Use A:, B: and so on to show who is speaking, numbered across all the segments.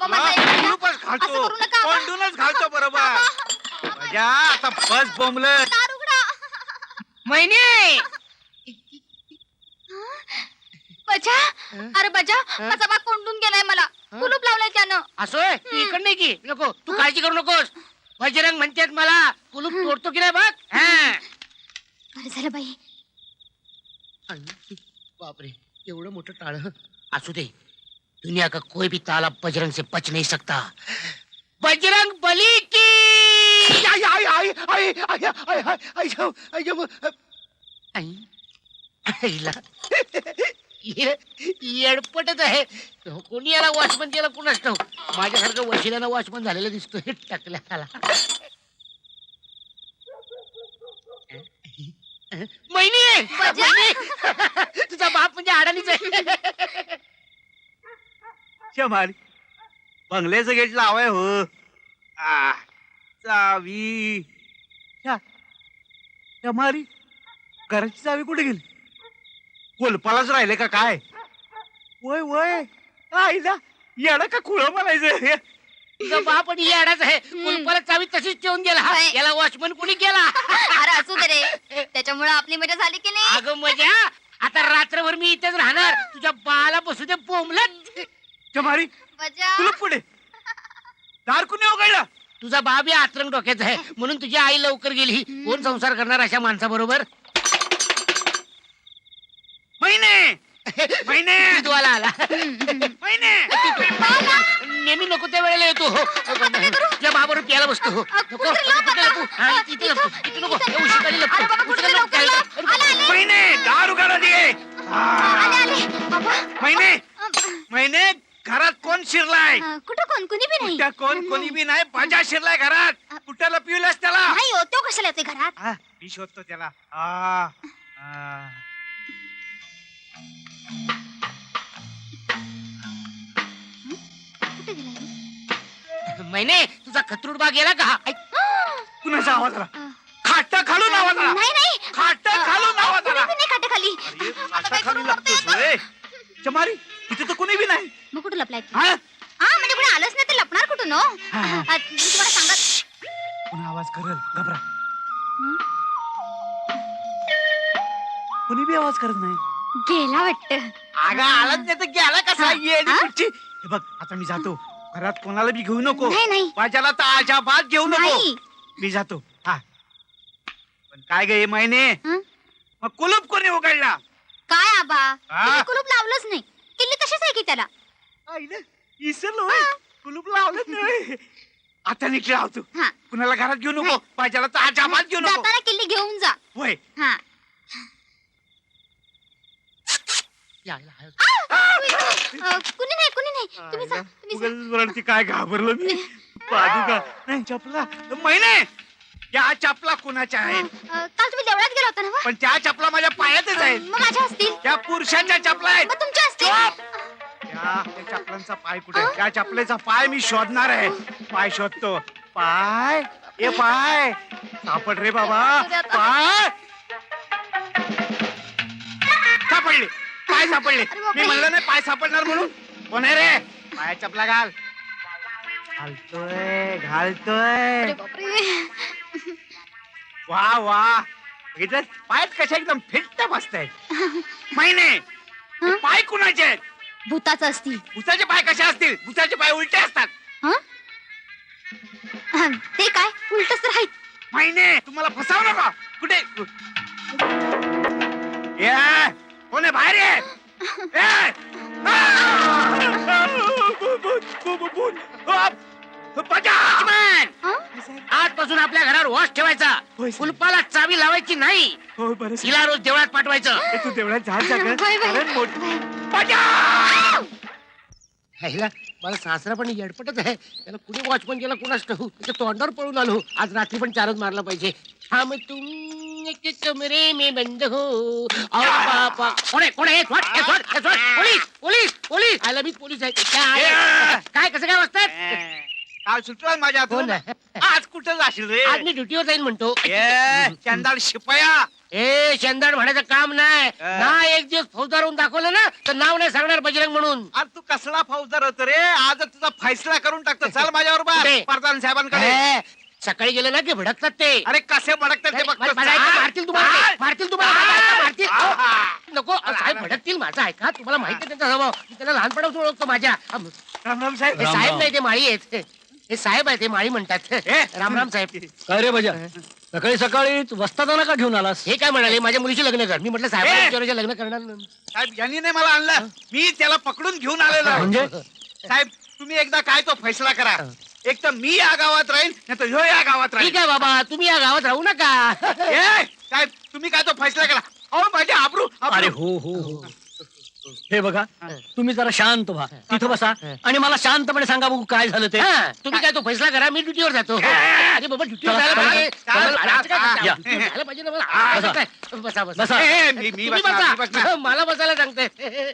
A: आबा माझं ऐका ना.
B: कुलूपच घालतो,
A: असं करू नका, आबा.
B: कोंडूनच घालतो बरोबर. बजा आता बस बोंबलं.
A: दार उघडा.
C: महिने
A: बजा, अरे बजा, माझा बा कोंडून गेलाय मला. कुलूप लावलंय त्यानं.
C: असोय तू इकडे की नको तू काळजी करू नकोस. बजरंग म्हणतात मला कुलूप तोडतो की नाही बघ.
A: बरं झालं बाई.
C: बापरे एवढं मोठं टाळ. असू दे दुनिया का कोई भी ताला बजरंग से बच नहीं सकता. बजरंग बली की
B: आई आई आई आई आई आई आई आई
C: आईला येडपटच आहे. कोणी याला वॉचमन केला कुणाच ठाऊक. माझ्यासारखं वशिल्यानं वॉचमन झालेलं दिसतो हे टाकल्याला. महिनी
A: बजा.
C: तुझा बाप म्हणजे अडाणीच आहे.
B: शमारी बंगल्याचं गेट लावाय हो. चावी शमारी घराची चावी कुठे गेली? कोलपालाच राहिले का काय? वय वय आईला येडा का खुळ म्हणायचं.
C: तुझा बाप आणि अडाच आहे. कुलपाला चावी तशीच ठेवून गेला.
A: बाई.
C: याला वॉचमन कोणी केला?
A: अरे असू दे रे, त्याच्यामुळे आपली मजा झाली की नाही.
C: अगं मजा आता रात्रभर मी इथेच राहणार. तुझ्या बाला बसू दे बोंबलत.
B: शमारी
A: बजा.
B: तुला पुढे दार कुणी उघडलं?
C: तुझा बाप या आत्रंग डोक्याचा आहे म्हणून तुझी आई लवकर गेली. कोण संसार करणार अशा माणसाबरोबर?
B: महिने महिने
C: दूधवाला आला.
B: महिने
C: नेहमी नको त्या वेळेला येतो. तुझ्या बाबरोबर प्यायला बसतो. नको कुठे लपू? हा, इथे लपू. इथे नको उशिकाली लपू.
A: अरे बाबा, कुठे
C: उशिकाली
A: लवकर
C: लपू.
A: लव. आले, आले.
B: महिने दार उघडा दे.
A: आले आले बाबा.
B: महिने महिने घरात कोण शिरलाय?
A: कुठं कोण कुणी बी नाही.
B: त्या कोण कोणी बी नाही. बाजा शिरलाय घरात. कुठं पिवलास त्याला?
A: नाही हो, तो कशाला येते घरात?
B: मी शोधतो त्याला.
A: कुठे गेलाय?
C: महिने तुझा खतरूड बाग गेला का? ऐक,
B: कुणाचा आवाज आला? खाट खालून आवाज आला.
A: नाही नाही.
B: खाट खालून आवाज
A: कुणी
B: आला.
A: बी नाही खाटेखाली.
B: अरे,
A: आता
B: खाटा
A: काय
B: खाली
A: करू
B: लागतोस
A: बघते?
B: होय. चमारी तिथे तर कोणी बी नाही.
A: मग कुठं लपलाय तू?
B: हा?
A: म्हणजे कुणी आलंच नाही तर लपणार कुठून हो? मी तुम्हाला सांगत.
B: पुन्हा आवाज करल घबरा. कोणी बी आवाज करत नाही.
A: गेला वाटत.
B: अगं आलाच नाही तर गेला कसा? येडी
A: हा?
B: कुठची? हे बघ आता मी जातो. घरात कोणाला बी घेऊ नको.
A: नाही नाही
B: माझ्याला तर अजाबात घेऊ नको.
A: नाही.
B: मी जातो. हा पण काय गे महिने
A: हं?
B: मग कुलूप कोणी उघडला?
A: काय आबा,
B: हा?
A: तुम्ही कुलूप लावलंच नाही. किल्ली तशीच आहे की त्याला.
B: आईला इसरलो कुलूप लावलं नाही. आता निघले आहोत.
A: हा.
B: कुणाला घरात घेऊ नको.
A: नाही.
B: माझ्याला तर अजाबात घेऊ नको.
A: जाताना किल्ली घेऊन जा.
B: होय.
A: हा.
C: यायला हळद.
A: कुणी नाही कुणी नाही. तुम्ही जा तुम्ही जा.
B: उगाच वरती काय घाबरलो मी. पादुका नाही चपला. महिने त्या चपला कुणाच्या आहेत?
A: काल तुम्ही देवळात गेला होता ना वा?
B: पण त्या चपला माझ्या पायातच आहेत.
A: मग माझ्या असतील.
B: त्या पुरुषाच्या चपला आहेत.
A: मग तुमच्या असतील.
B: त्या चपलांचा पाय कुठे? त्या चपलेचा पाय मी शोधणार आहे. पाय शोधतो. पाय ए पाय सापड रे बाबा. पाय सापडले. पाय सापडले.
A: अरे बापरे.
B: मी म्हणलं नाही पाय सापडणार म्हणून. कोण आहे रे? पाया चपला घाल. घालतोय घालतोय.
A: अरे बापरे.
B: वा वा बघितलं पायात कशा एकदम फिट्ट बसतायत. महिने हे पाय कुणाचे आहेत?
A: भूताचं असतील.
B: भुसाचे पाय कसे असतील? भुसाचे पाय उलटे असतात.
A: ते काय उलटच तर आहेत.
B: महिने तुम्हाला फसाव नका. कुठे ये कोण आहे? बाहेर ये. ए! बजा!
C: लक्ष्मण, आजपासून आपल्या घरावर वॉच ठेवायचा.
B: होय, साहेब.
C: कुलपाला चावी लावायची नाही.
B: हो बरं
C: तिला रोज देवळात पाठवायचं.
B: तू देवळात जा
A: होय, होय.
B: कारण बजा!
C: ह्याला मला सासरा पण येडपटच आहे. त्याला कुणी वॉचमन केला कुणाच ठाऊ. त्याच्या तोंडावर पळून आलो. आज रात्री पण चारच मारला पाहिजे. हम तुम एक कमरे में बंद हो और पापा कोण आहे? पोलीस पोलीस पोलीस आला. मी पोलीस आहे. काय कसं काय वाजतात?
B: काल सुटला माझ्या
C: हो
B: हातून.
C: ना.
B: आज कुठं जाशील रे?
C: आज मी ड्युटीवर जाईन म्हणतो.
B: चंदाल शिपाया
C: ए शेंदाड म्हणायचं काम नाही ना. एक दिवस फौजदार होऊन दाखवलं ना तर नाव नाही सांगणार बजरंग म्हणून.
B: अरे तू कसला फौजदार होतो रे? आज तुझा फैसला करून टाकतो. चल माझ्याबरोबर
C: कुठे?
B: प्रधान साहेबांकडे.
C: ए, सकाळी गेले ना की भडकतात ते.
B: अरे कसे भडकतात ते बघतो.
C: माझं ऐका, मारतील तुम्हाला ते. मारतील तुम्हाला. माझं ऐका, मारतील. नको
B: अरे,
C: साहेब भडकतील. माझं ऐका, तुम्हाला माहिती आहे त्यांचा स्वभाव. मी त्याला लहानपणापासून ओळखतो माझ्या.
B: राम राम साहेब.
C: हे साहेब नाही, ते माळी आहेत. हे साहेब आहे, ते माळी म्हणतात. राम राम साहेब.
D: काय रे बजा सकाळी सकाळी वस्तादाना का घेऊन आलास?
C: हे काय म्हणाले, माझ्या मुलीशी लग्न कर. मी म्हटलं साहेब लग्न करणार नाही.
B: साहेब यांनी नाही मला आणलं, मी त्याला पकडून घेऊन आलेलो आहे.
D: म्हणजे
B: साहेब तुम्ही एकदा काय तो फैसला करा. एक तर मी या गावात राहीन नाही तर ह्यो या गावात राहील.
C: ठीक आहे बाबा, तुम्ही या गावात राहू नका.
B: साहेब तुम्ही काय तो फैसला करा. अहो माझे आबरू
D: अरे हो हो हो हे बघा, तुम्ही जरा शांत व्हा, तिथं बसा आणि मला शांतपणे सांगा बघू काय झालं ते.
C: हा, तुम्ही काय तो फैसला करा, मी ड्युटीवर जातो. अरे बाबा ड्युटीवर जायला पाहिजे.
B: या.
C: ड्युटीवर जायला पाहिजे ना मला. असं काय? बसा बसा.
D: बसा.
B: मी
C: तुम्ही
B: बसणार, मी
C: बसा.
B: बसणार.
C: मला बसायला सांगते.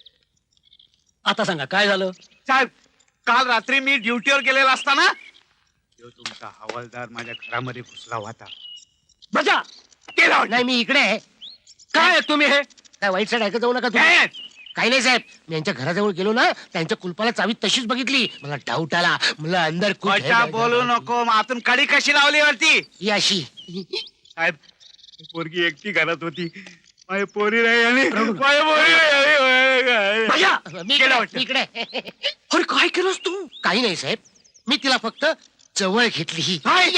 D: आता सांगा काय झालं?
B: साहेब काल रात्री मी ड्युटीवर गेलेला असताना ह्यो तुमचा हवालदार माझ्या घरामध्ये घुसला होता.
D: बजा
B: गेला होता.
C: नाही, मी इकडे आहे.
D: काय तुम्ही हे
C: काय वाईट साईड ऐकत जाऊ नका तुम्ही.
B: काय?
C: काही नाही साहेब, मी यांच्या घराजवळ गेलो ना, त्यांच्या कुलपाला चावी तशीच बघितली. मला डाऊट आला. मला अंदर
B: खोटा बोलू नको. मग आतून कडी कशी लावली वरती?
C: ही अशी.
B: साहेब पोरगी एकटी घरात होती. माझी पोरी नाही आली. माझी पोरी नाही आली.
D: बजा
C: मी
B: गेला
C: इकडे,
B: वाटतं.
C: मी इकडे.
D: अरे काय केलंस तू?
C: काही नाही साहेब, मी तिला फक्त जवळ घेतली. ही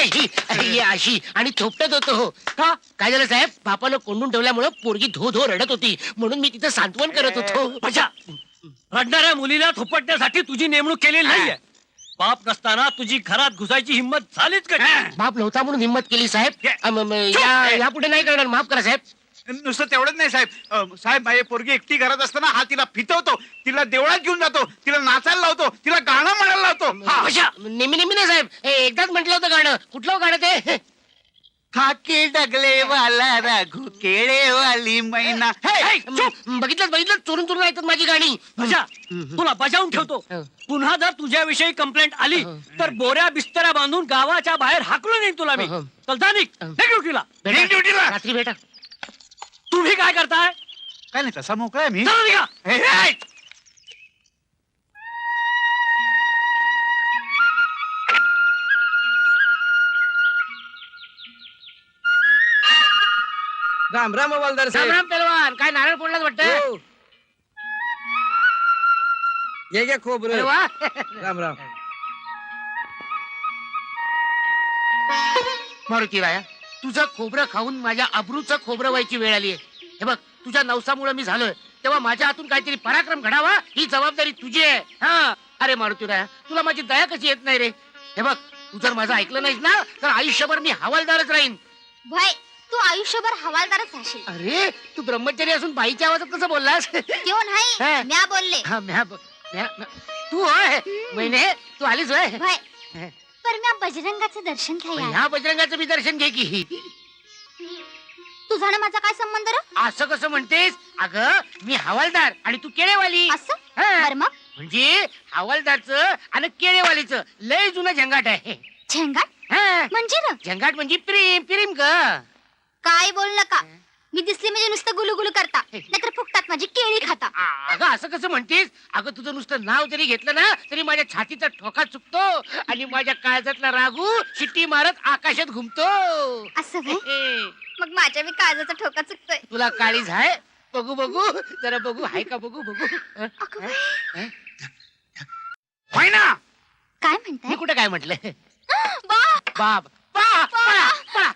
C: अशी आणि थोपटत होतो.
D: का?
C: काय झालं साहेब, बापानं कोंडून ठेवल्यामुळे पोरगी धो धो रडत होती, म्हणून मी तिचं सांत्वन करत होतो.
D: बजा रडणाऱ्या मुलीला थोपटण्यासाठी तुझी नेमणूक केलेली नाहीये. बाप नसताना तुझी घरात घुसायची हिंमत झालीच का?
C: बाप नव्हता म्हणून हिंमत केली साहेब. यापुढे नाही करणार, माफ करा साहेब.
B: नुसतं तेवढंच नाही साहेब. साहेब माझी पोरगी एकटी घरात असताना हा तिला फितवतो, तिला देवळात घेऊन जातो, तिला नाचायला लावतो, तिला गाणं म्हणायला लावतो.
C: बशा, नेहमी नेहमी नाही साहेब. हे एकदाच म्हटलं होतं गाणं. कुठलं गाणं ते?
B: खाकी डगले वाला राघू केळे वाली मैना.
C: बघितलं बघितलं, चोरून चोरून ऐकतात माझी गाणी.
D: बजा तुला बजावून ठेवतो. पुन्हा जर तुझ्याविषयी कंप्लेंट आली तर बोऱ्या बिस्तऱ्या बांधून गावाच्या बाहेर हाकलून येईन तुला मी. चल जा निघ. निघ ड्युटीला.
C: भेटा, रात्री भेटा.
D: तुम्ही काय करताय?
B: काय नाही तसा मोकळा आहे मी.
D: चला निघा.
E: राम राम हवालदार
C: राम
E: साहेब.
C: राम पेलवान, काय नारळ फोडलाच वाटतं.
E: हो. ये घ्या खोबरं.
C: अरे वा.
E: राम राम.
C: मारुती राया, तुझं खोबरं खाऊन माझ्या अब्रूचं खोबरं व्हायची वेळ आली आहे. हे बघ, तुझ्या नवसामुळे मी झालोय, तेव्हा माझ्या हातून काहीतरी पराक्रम घडावा ही जबाबदारी तुझी आहे. हा, अरे मारुती राया, तुला माझी दया कशी येत नाही रे? हे बघ, तू जर माझं ऐकलं नाहीस ना तर आयुष्यभर मी हवालदारच राहीन.
A: भाई तू आयुष्यभर हवालदारच राहशील.
C: अरे, तू ब्रह्मचारी असून बाईच्या आवाजात कसं बोललास?
A: क्यों नाही
C: हा.
A: म्या बोलले.
C: हा, तू होय महिने, तू आलीस होय.
A: भाई पर म्या बजरंगाचं दर्शन घ्यायला.
C: ह्या बजरंगाचं मी दर्शन घे की.
A: तुझा आणि माझा काय संबंध रे?
C: असं कसं म्हणतेस? अगं, मी हवालदार आणि तू केळेवाली.
A: असं
C: हा.
A: बर मग
C: म्हणजे हवालदारचं आणि केळेवालीचं लय जुनं झंगाट आहे.
A: झेंगाट
C: हा.
A: म्हणजे ना
C: झंगाट म्हणजे प्रेम प्रेम ग.
A: काय बोल नका. मी दिसली म्हणजे नुसतं गुलुगुलू करता नाहीतर फुकटात माझी केळी खाता.
C: अगं असं कसं म्हणतेस? अगं तुझं नुसतं नाव जरी घेतलं ना तरी माझ्या छातीचा ठोका चुकतो आणि माझ्या काळजातला रागू शिट्टी मारत आकाशात घुमतो.
A: असं व्हय? मग माझ्या मी काळजाचा ठोका चुकतोय.
C: तुला काळीज आहे? बघू बघू जरा बघू, हाय का बघू बघू.
A: अगं बाई,
B: मैना
A: काय म्हणताय?
C: मी कुठे काय म्हटलं?
A: बाप
C: बाप पळा, पळा, पळा,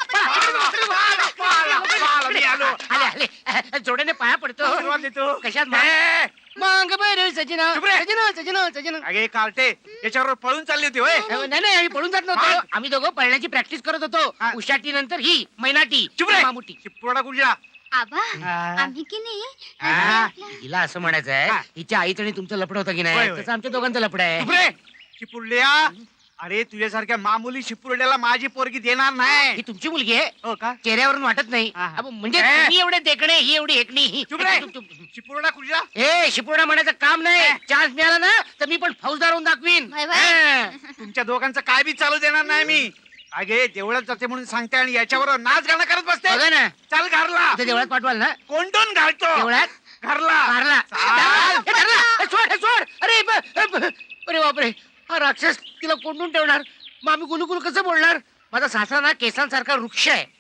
C: पळा.
B: मी आलो.
C: आले आले, जोड्याने पाया पडतो.
B: आशीर्वाद देतो.
C: कशात
B: ए,
C: मग बरं सजना
B: चुप रे.
C: सजना सजना सजना.
B: अगे कार्टे याच्यावर पळून चालली होती होय.
C: नाही नाही, आम्ही पळून जात नव्हतो.
B: मग?
C: आम्ही दोघं पळण्याची प्रॅक्टिस करत होतो.
B: हा.
C: उशाटी नंतर ही मैनाटी
B: चुप रे.
C: मामुटी.
B: चिपकोडा कुठला?
A: आबा
B: हा.
A: आम्ही की नाही
C: हा, हिला असं म्हणायचं आहे,
B: हा.
C: हिच्या आईचं आणि तुमचं लपड होतं की
B: होय,
C: नाही,
B: होय.
C: तसं आमच्या दोघांचं लपड आहे.
B: चुप रे. चिपुरड्या अरे तुझ्यासारख्या मामुली चिपुरड्याला माझी पोरगी देणार नाही.
C: ही तुमची मुलगी आहे,
B: हो का?
C: चेहऱ्यावरून वाटत नाही.
B: हा, हा.
C: अबो, म्हणजे
B: ए.
C: तुम्ही एवढे देखणे, ही एवढी हेकणी.
B: चुप रे. चिपुरडा कुठला?
C: ए शिपुर्णा म्हणायचं काम नाही. चान्स मिळाला ना तर मी पण फौजदार होऊन दाखवीन.
A: Bye bye.
C: हा.
B: तुमच्या दोघांचं काय बी चालू देणार नाही मी. अगे देवळात जाते म्हणून सांगते आणि याच्यावर नाच गाणं करत बसते
C: बघा ना
B: चल घरला
C: ते देवळात पाठवाल ना
B: कोंडून घालतो
C: देवळात
B: घरला
C: मारला
B: चाल.
C: सोड सोड अरे अरे बापरे हा राक्षस तिला कोंडून ठेवणार मग आम्ही गुलुगुल कसं बोलणार माझा सासरा ना केसांसारखा वृक्ष आहे